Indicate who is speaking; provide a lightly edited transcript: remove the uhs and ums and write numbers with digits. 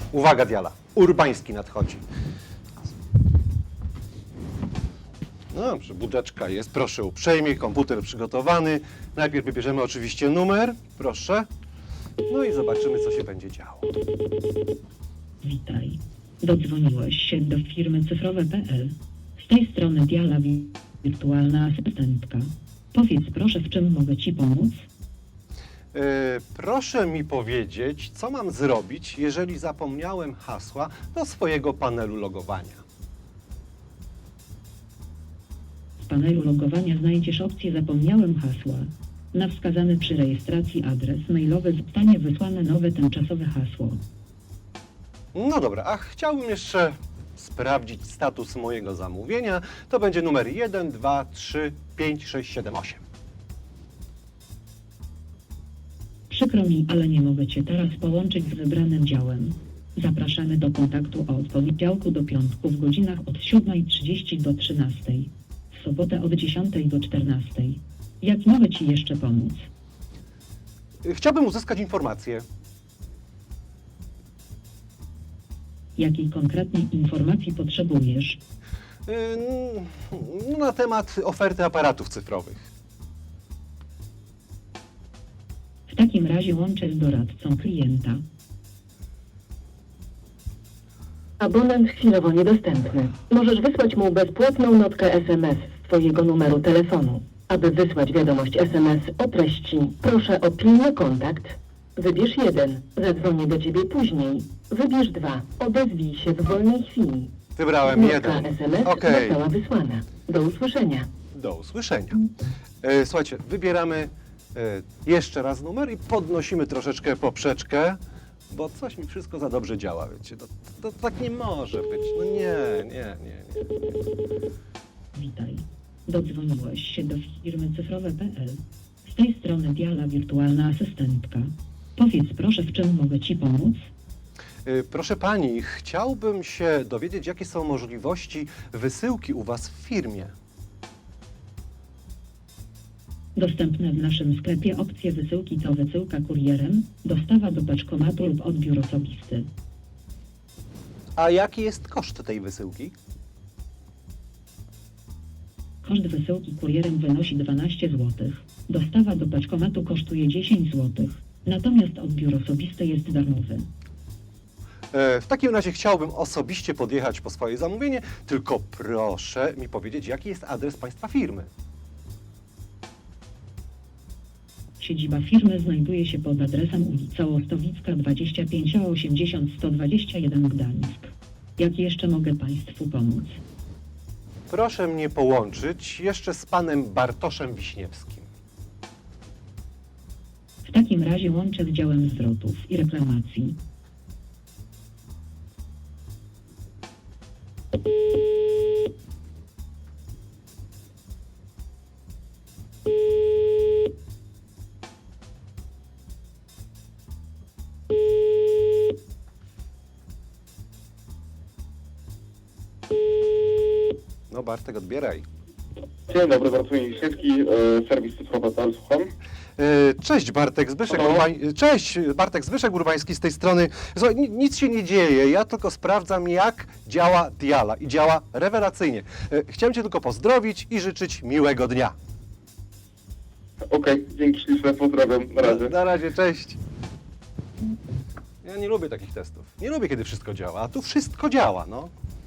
Speaker 1: Uwaga, Diala, Urbański nadchodzi. No dobrze, budeczka jest, proszę uprzejmie, komputer przygotowany. Najpierw wybierzemy oczywiście numer, proszę. No i zobaczymy, co się będzie działo.
Speaker 2: Witaj. Dodzwoniłeś się do firmy cyfrowe.pl. Z tej strony Diala, wirtualna asystentka. Powiedz proszę, w czym mogę Ci pomóc?
Speaker 1: Proszę mi powiedzieć, co mam zrobić, jeżeli zapomniałem hasła do swojego panelu logowania.
Speaker 2: W panelu logowania znajdziesz opcję Zapomniałem hasła. Na wskazany przy rejestracji adres mailowy zostanie wysłane nowe tymczasowe hasło.
Speaker 1: No dobra, a chciałbym jeszcze sprawdzić status mojego zamówienia. To będzie numer 1, 2, 3, 5, 6, 7, 8.
Speaker 2: Przykro mi, ale nie mogę Cię teraz połączyć z wybranym działem. Zapraszamy do kontaktu od poniedziałku do piątku w godzinach od 7:30 do 13:00. W sobotę od 10:00 do 14:00. Jak mogę Ci jeszcze pomóc?
Speaker 1: Chciałbym uzyskać informację.
Speaker 2: Jakiej konkretnej informacji potrzebujesz?
Speaker 1: Na temat oferty aparatów cyfrowych.
Speaker 2: W takim razie łączę z doradcą klienta.
Speaker 3: Abonent chwilowo niedostępny. Możesz wysłać mu bezpłatną notkę SMS z Twojego numeru telefonu. Aby wysłać wiadomość SMS o treści, proszę o pilny kontakt. Wybierz 1. Zadzwonię do Ciebie później. Wybierz 2. Odezwij się w wolnej chwili.
Speaker 1: Wybrałem
Speaker 3: Notka
Speaker 1: 1.
Speaker 3: SMS
Speaker 1: Okej.
Speaker 3: została wysłana. Do usłyszenia.
Speaker 1: Do usłyszenia. Słuchajcie, wybieramy jeszcze raz numer i podnosimy troszeczkę poprzeczkę, bo coś mi wszystko za dobrze działa, wiecie. To tak nie może być. No nie.
Speaker 2: Witaj. Dodzwoniłeś się do firmy cyfrowe.pl. Z tej strony Diala, wirtualna asystentka. Powiedz proszę, w czym mogę Ci pomóc?
Speaker 1: Proszę pani, chciałbym się dowiedzieć, jakie są możliwości wysyłki u was w firmie.
Speaker 2: Dostępne w naszym sklepie opcje wysyłki to wysyłka kurierem, dostawa do paczkomatu lub odbiór osobisty.
Speaker 1: A jaki jest koszt tej wysyłki?
Speaker 2: Koszt wysyłki kurierem wynosi 12 zł. Dostawa do paczkomatu kosztuje 10 zł. Natomiast odbiór osobisty jest darmowy.
Speaker 1: W takim razie chciałbym osobiście podjechać po swoje zamówienie, tylko proszę mi powiedzieć, jaki jest adres państwa firmy.
Speaker 2: Siedziba firmy znajduje się pod adresem ulica Ostowicka 25 a 80 121 Gdańsk. Jak jeszcze mogę Państwu pomóc?
Speaker 1: Proszę mnie połączyć jeszcze z panem Bartoszem Wiśniewskim.
Speaker 2: W takim razie łączę z działem zwrotów i reklamacji.
Speaker 1: No Bartek, odbieraj.
Speaker 4: Dzień dobry, Bartłomiej Wiśniewski, serwis cyfrowy.pl, słucham.
Speaker 1: Cześć Bartek,
Speaker 4: Halo?
Speaker 1: Cześć Bartek, Zbyszek Urbański z tej strony. Słuchaj, nic się nie dzieje, ja tylko sprawdzam, jak działa Diala i działa rewelacyjnie. Chciałem cię tylko pozdrowić i życzyć miłego dnia.
Speaker 4: Okej, dzięki śliczne, pozdrawiam, na razie.
Speaker 1: Na razie, cześć. Ja nie lubię takich testów. Nie lubię, kiedy wszystko działa, a tu wszystko działa, no.